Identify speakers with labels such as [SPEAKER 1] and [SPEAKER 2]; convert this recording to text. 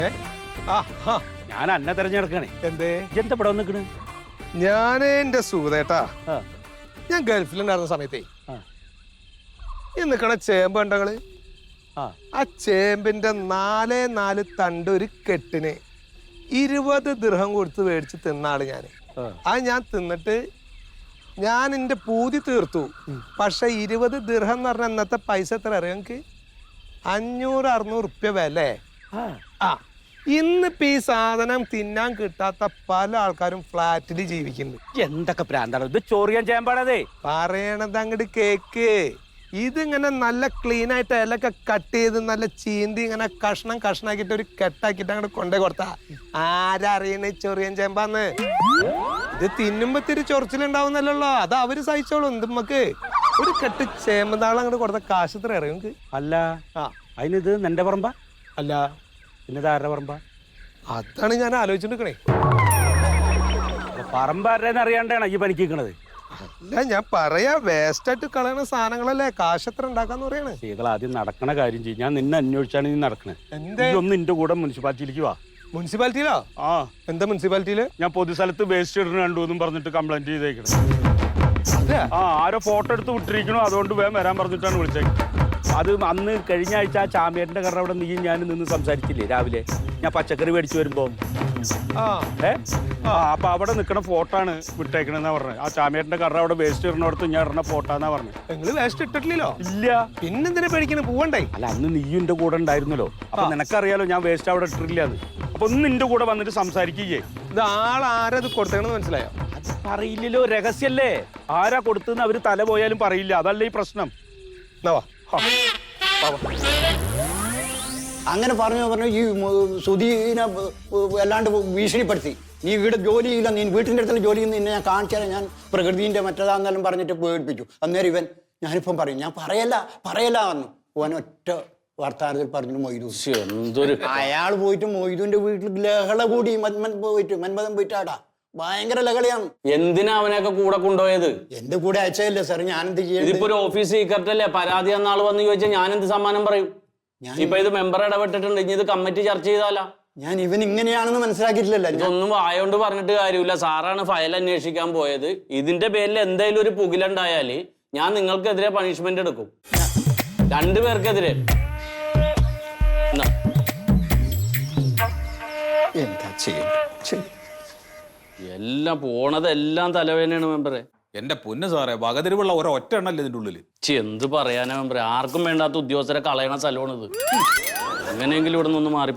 [SPEAKER 1] ഞാൻ അന്നെ തെരഞ്ഞെടുക്കണേ.
[SPEAKER 2] എന്തേ
[SPEAKER 1] എന്താ ഇവിടെ നിൽക്കണ്?
[SPEAKER 2] ഞാൻ എന്റെ സുഹൃത്തേട്ടാ, ഞാൻ ഗൾഫിലുണ്ടായിരുന്ന സമയത്തേ ഈ നിക്കണ ചേമ്പ് കണ്ടങ്ങള്, ആ ചേമ്പിന്റെ 4 തണ്ട് ഒരു കെട്ടിന് 20 ദിർഹം കൊടുത്ത് മേടിച്ച് തിന്നാള് ഞാന്. അത് ഞാൻ തിന്നിട്ട് ഞാൻ എന്റെ പൂതി തീർത്തു. പക്ഷെ 20 ദിർഹം എന്ന് പറഞ്ഞ അന്നത്തെ പൈസ എത്ര അറിയാം എനിക്ക്? 500-600 റുപ്യ വില. ഇന്നിപ്പോ ഈ സാധനം തിന്നാൻ കിട്ടാത്ത പല ആൾക്കാരും ഫ്ലാറ്റിൽ ജീവിക്കുന്നുണ്ട്.
[SPEAKER 1] എന്തൊക്കെ പ്രാന്താണ് ഇത്? ചോറിയാൻ ചേമ്പാണതേ.
[SPEAKER 2] പറയണത് അങ്ങോട്ട് കേക്ക്. ഇതിങ്ങനെ നല്ല ക്ലീൻ ആയിട്ട് ഇലൊക്കെ കട്ട് ചെയ്ത് നല്ല ചീന്തി ഇങ്ങനെ കഷ്ണം കഷ്ണാക്കിട്ട് ഒരു കെട്ടാക്കിട്ട് അങ്ങോട്ട് കൊണ്ടേ കൊടുത്താ ആരറിയണ ചൊറിയൻ ചേമ്പാന്ന്. ഇത് തിന്നുമ്പോ ഇത്തിരി ചൊറിച്ചിലുണ്ടാവുന്നല്ലോ, അത് അവര് സഹിച്ചോളും. നമുക്ക് ഒരു കെട്ട് ചേമ്പതാളം അങ്ങോട്ട് കൊടുത്ത കാശ് എത്ര അറിയും?
[SPEAKER 1] അല്ല അതിനിത് നിന്റെ പറമ്പ
[SPEAKER 2] അല്ല,
[SPEAKER 1] പിന്നെ ആരുടെ പറമ്പ?
[SPEAKER 2] അതാണ് ഞാൻ ആലോചിച്ചിട്ടുണ്ടേ.
[SPEAKER 1] പറമ്പ് ആരുടെന്ന് അറിയാണ്ടാണ് ഈ പനിക്കണത്.
[SPEAKER 2] അല്ല, ഞാൻ പറയാ, വേസ്റ്റ് ആയിട്ട് കളയണ സാധനങ്ങളല്ലേ കാശ് എത്ര ഉണ്ടാക്കാന്ന് പറയണേ.
[SPEAKER 1] സ്ത്രീകൾ ആദ്യം നടക്കണ കാര്യം ചെയ്യും. ഞാൻ നിന്നെ അന്വേഷിച്ചാണ് നീ നടക്കണേ. ഒന്ന് നിന്റെ കൂടെ മുനിസിപ്പാലിറ്റിയിലേക്ക് വാ.
[SPEAKER 2] മുനിസിപ്പാലിറ്റിയിലോ? എന്താ മുനിസിപ്പാലിറ്റിയില്?
[SPEAKER 1] ഞാൻ പൊതുസ്ഥലത്ത് വേസ്റ്റ് ഇടുന്ന കണ്ടു എന്നും പറഞ്ഞിട്ട് കംപ്ലൈന്റ് ചെയ്തേക്കണം. ആരോ ഫോട്ടോ എടുത്ത് വിട്ടിരിക്കണോ, അതുകൊണ്ട് വേഗം വരാൻ പറഞ്ഞിട്ടാണ് വിളിച്ചേക്കുന്നത്. അത് അന്ന് കഴിഞ്ഞ ആഴ്ച ആ ചാമ്പ്യന്റെ കട അവിടെ നീ ഞാൻ നിന്ന് സംസാരിച്ചില്ലേ രാവിലെ? ഞാൻ പച്ചക്കറി മേടിച്ചു വരുമ്പോ അപ്പൊ അവിടെ നിൽക്കണ ഫോട്ടോ ആണ് വിട്ടേക്കണെന്നാ പറഞ്ഞത്. ആ ചാമ്പ്യന്റെ കട അവിടെ വേസ്റ്റ് ഇടണോടത്ത് ഞാൻ ഇടണ ഫോട്ടോ എന്നാ പറഞ്ഞത്.
[SPEAKER 2] നിങ്ങള് വേസ്റ്റ് ഇട്ടിട്ടില്ലല്ലോ?
[SPEAKER 1] ഇല്ല.
[SPEAKER 2] പിന്നെന്തിനാ പേടിക്കണേ? പോവണ്ടേ?
[SPEAKER 1] അല്ല, അന്ന് നീയും എന്റെ കൂടെ ഉണ്ടായിരുന്നല്ലോ. അപ്പൊ നിനക്കറിയാലോ ഞാൻ വേസ്റ്റ് അവിടെ ഇട്ടിട്ടില്ലാന്ന്. അപ്പൊ ഒന്ന് നിന്റെ കൂടെ വന്നിട്ട് സംസാരിക്കുകയെ.
[SPEAKER 2] ഇത് ആരത് കൊടുത്തേക്കണെന്ന് മനസ്സിലായോ?
[SPEAKER 1] അത് പറയില്ലല്ലോ, രഹസ്യല്ലേ. ആരാ കൊടുത്തെന്ന് അവര് തല പോയാലും പറയില്ല. അതല്ലേ ഈ പ്രശ്നം.
[SPEAKER 3] അങ്ങനെ പറഞ്ഞു ഈ സുധീനെ അല്ലാണ്ട് ഭീഷണിപ്പെടുത്തി. നീ ഇവിടെ ജോലിയില്ല, നീ വീട്ടിൻ്റെ അടുത്തുള്ള ജോലി നിന്നെ ഞാൻ കാണിച്ചാൽ ഞാൻ പ്രകൃതിൻ്റെ മറ്റേതാന്നെല്ലാം പറഞ്ഞിട്ട് പേടിപ്പിച്ചു. അന്നേരം ഞാനിപ്പം പറയും, ഞാൻ പറയല്ല പറഞ്ഞു. ഓൻ ഒറ്റ വർത്താനത്തിൽ പറഞ്ഞു മൊയ്തു.
[SPEAKER 1] എന്തൊരു
[SPEAKER 3] അയാൾ പോയിട്ട് മൊയ്തുവിന്റെ വീട്ടിൽ ലഹള കൂടി. മന്മഥൻ പോയിട്ടാടാ ഭയങ്കര ലഹളയാണ്.
[SPEAKER 4] എന്തിനാ അവനൊക്കെ കൂടെ കൊണ്ടുപോയത്?
[SPEAKER 3] എന്റെ കൂടെ അയച്ചതല്ലേ സാർ, ഞാനെന്ത് ചെയ്യാം?
[SPEAKER 4] ഇതിപ്പോ ഒരു ഓഫീസ് സീക്രട്ട് അല്ലേ? പരാതി എന്ന ആള് വന്ന് ചോദിച്ചാൽ ഞാൻ എന്ത് സമ്മാനം പറയും? ഇപ്പൊ ഇത് മെമ്പർ ഇടപെട്ടിട്ടുണ്ട്, ഇനി ഇത് കമ്മിറ്റി ചർച്ച ചെയ്താലോ?
[SPEAKER 3] ഞാൻ ഇവൻ ഇങ്ങനെയാണെന്ന് മനസ്സിലാക്കിയിട്ടില്ലല്ലോ.
[SPEAKER 4] ഇതൊന്നും വായോണ്ട് പറഞ്ഞിട്ട് കാര്യമില്ല. സാറാണ് ഫയൽ അന്വേഷിക്കാൻ പോയത്. ഇതിന്റെ പേരിൽ എന്തായാലും ഒരു പുകിലുണ്ടായാല് ഞാൻ നിങ്ങൾക്കെതിരെ പണിഷ്മെന്റ് എടുക്കും, 2 പേർക്കെതിരെ.
[SPEAKER 3] എന്താ ചെയ്യും?
[SPEAKER 4] എല്ലാം പോണതെല്ലാം തലവേദനയാണ് മെമ്പറെ.
[SPEAKER 5] എന്റെ പൊന്ന് സാറേ, വകതിരിവുള്ള ഒറ്റ എണ്ണല്ലേ ഇതിന്റെ ഉള്ളില്?
[SPEAKER 4] എന്ത് പറയാനാ മെമ്പറെ? ആർക്കും വേണ്ടാത്ത ഉദ്യോഗസ്ഥരെ കളയണ സ്ഥലമാണിത്. എങ്ങനെയെങ്കിലും ഇവിടെ നിന്ന് മാറി